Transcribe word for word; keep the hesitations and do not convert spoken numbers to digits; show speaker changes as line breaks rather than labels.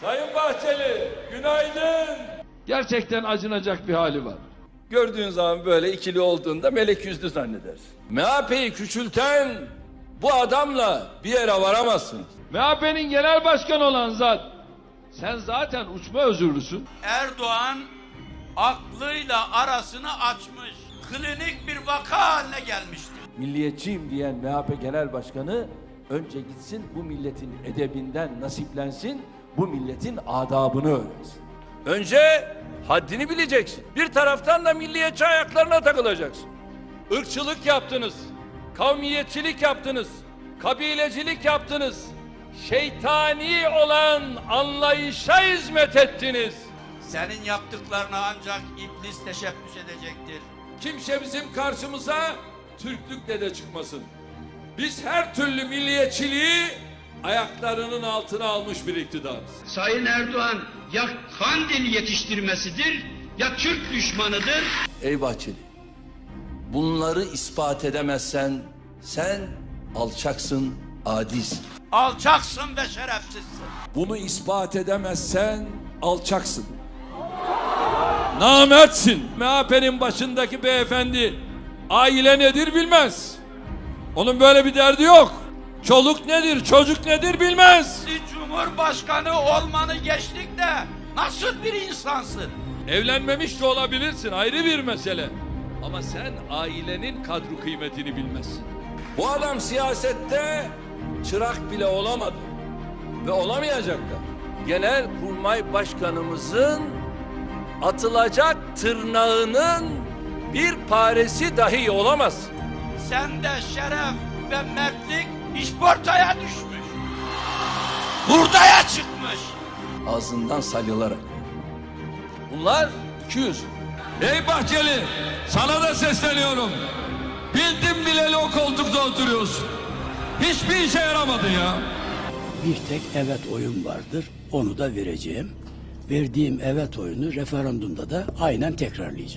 Sayın Bahçeli, günaydın. Gerçekten acınacak bir hali var. Gördüğün zaman böyle ikili olduğunda melek yüzlü zannedersin. M H P'yi küçülten bu adamla bir yere varamazsınız. M H P'nin genel başkanı olan zat, sen zaten uçma özürlüsün.
Erdoğan aklıyla arasını açmış, klinik bir vaka haline gelmiştir.
Milliyetçiyim diyen M H P Genel Başkanı önce gitsin bu milletin edebinden nasiplensin, bu milletin adabını öğrensin.
Önce haddini bileceksin. Bir taraftan da milliyetçi ayaklarına takılacaksın. Irkçılık yaptınız, kavmiyetçilik yaptınız, kabilecilik yaptınız. Şeytani olan anlayışa hizmet ettiniz.
Senin yaptıklarına ancak iblis teşebbüs edecektir.
Kimse bizim karşımıza Türklükle de çıkmasın. Biz her türlü milliyetçiliği ayaklarının altına almış bir iktidarız.
Sayın Erdoğan ya Kandil yetiştirmesidir ya Türk düşmanıdır.
Ey Bahçeli, bunları ispat edemezsen sen alçaksın, adisin.
Alçaksın ve şerefsizsin.
Bunu ispat edemezsen alçaksın. Namertsin. M H P'nin başındaki beyefendi aile nedir bilmez. Onun böyle bir derdi yok. Çoluk nedir, çocuk nedir bilmez.
Cumhurbaşkanı olmanı geçtik de nasıl bir insansın?
Evlenmemiş de olabilirsin, ayrı bir mesele. Ama sen ailenin kadru kıymetini bilmezsin. Bu adam siyasette çırak bile olamadı. Ve olamayacak da. Genelkurmay Başkanımızın atılacak tırnağının bir paresi dahi olamaz.
Sende şeref ve mertlik işportaya düşmüş. Hurdaya çıkmış.
Ağzından salyalarak. Bunlar iki yüz. Ey Bahçeli, sana da sesleniyorum. Bildim bileli o koltukta oturuyorsun. Hiçbir işe yaramadı ya.
Bir tek evet oyun vardır. Onu da vereceğim. Verdiğim evet oyunu referandumda da aynen tekrarlayacağım.